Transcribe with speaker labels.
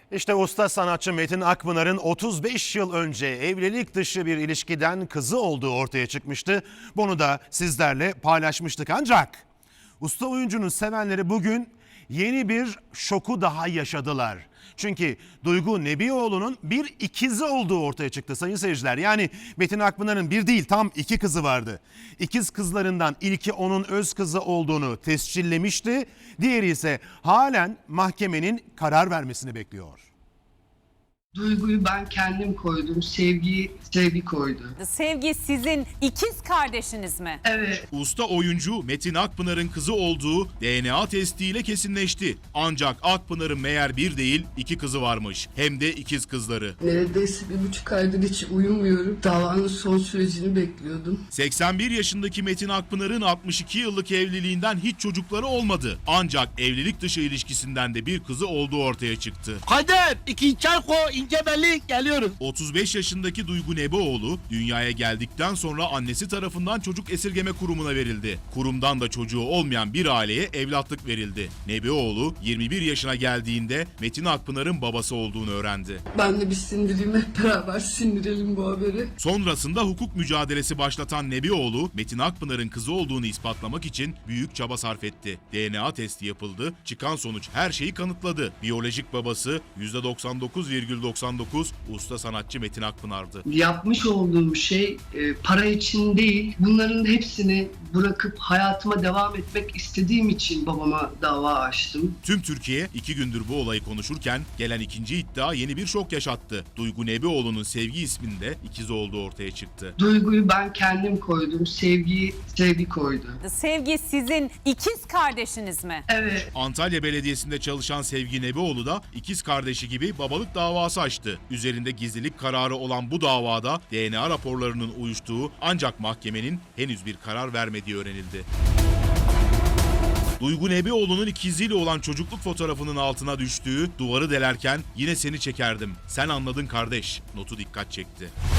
Speaker 1: İşte usta sanatçı Metin Akpınar'ın 35 yıl önce evlilik dışı bir ilişkiden kızı olduğu ortaya çıkmıştı. Bunu da sizlerle paylaşmıştık, ancak usta oyuncunun sevenleri bugün yeni bir şoku daha yaşadılar. Çünkü Duygu Nebioğlu'nun bir ikizi olduğu ortaya çıktı sayın seyirciler. Yani Metin Akpınar'ın bir değil, tam iki kızı vardı. İkiz kızlarından ilki onun öz kızı olduğunu tescillemişti. Diğeri ise halen mahkemenin karar vermesini bekliyor.
Speaker 2: Duyguyu ben kendim koydum, sevgi koydu.
Speaker 3: Sevgi sizin ikiz kardeşiniz mi?
Speaker 2: Evet.
Speaker 4: Usta oyuncu Metin Akpınar'ın kızı olduğu DNA testiyle kesinleşti. Ancak Akpınar'ın meğer bir değil iki kızı varmış. Hem de ikiz kızları.
Speaker 2: Neredeyse 1,5 aydır hiç uyumuyorum. Davanın son sürecini bekliyordum.
Speaker 4: 81 yaşındaki Metin Akpınar'ın 62 yıllık evliliğinden hiç çocukları olmadı. Ancak evlilik dışı ilişkisinden de bir kızı olduğu ortaya çıktı.
Speaker 5: Kader, iki çay koy, ince belli, geliyoruz.
Speaker 4: 35 yaşındaki Duygu Nebioğlu dünyaya geldikten sonra annesi tarafından çocuk esirgeme kurumuna verildi. Kurumdan da çocuğu olmayan bir aileye evlatlık verildi. Nebioğlu 21 yaşına geldiğinde Metin Akpınar'ın babası olduğunu öğrendi.
Speaker 2: Ben de bir sindireyim, hep beraber sindirelim bu haberi.
Speaker 4: Sonrasında hukuk mücadelesi başlatan Nebioğlu, Metin Akpınar'ın kızı olduğunu ispatlamak için büyük çaba sarf etti. DNA testi yapıldı, çıkan sonuç her şeyi kanıtladı. Biyolojik babası %99,99 usta sanatçı Metin Akpınar'dı.
Speaker 2: Yapmış olduğum şey para için değil, bunların hepsini bırakıp hayatıma devam etmek istediğim için babama dava açtım.
Speaker 4: Tüm Türkiye 2 gündür bu olayı konuşurken gelen ikinci iddia yeni bir şok yaşattı. Duygu Nebioğlu'nun Sevgi isminde ikizi olduğu ortaya çıktı.
Speaker 2: Duyguyu ben kendim koydum, sevgi koydu.
Speaker 3: Sevgi sizin ikiz kardeşiniz mi?
Speaker 2: Evet.
Speaker 4: Antalya Belediyesi'nde çalışan Sevgi Nebioğlu da ikiz kardeşi gibi babalık davası açtı. Üzerinde gizlilik kararı olan bu davada DNA raporlarının uyuştuğu ancak mahkemenin henüz bir karar vermediği öğrenildi. Duygu Nebioğlu'nun ikiziyle olan çocukluk fotoğrafının altına düştüğü "Duvarı delerken yine seni çekerdim, sen anladın kardeş" notu dikkat çekti.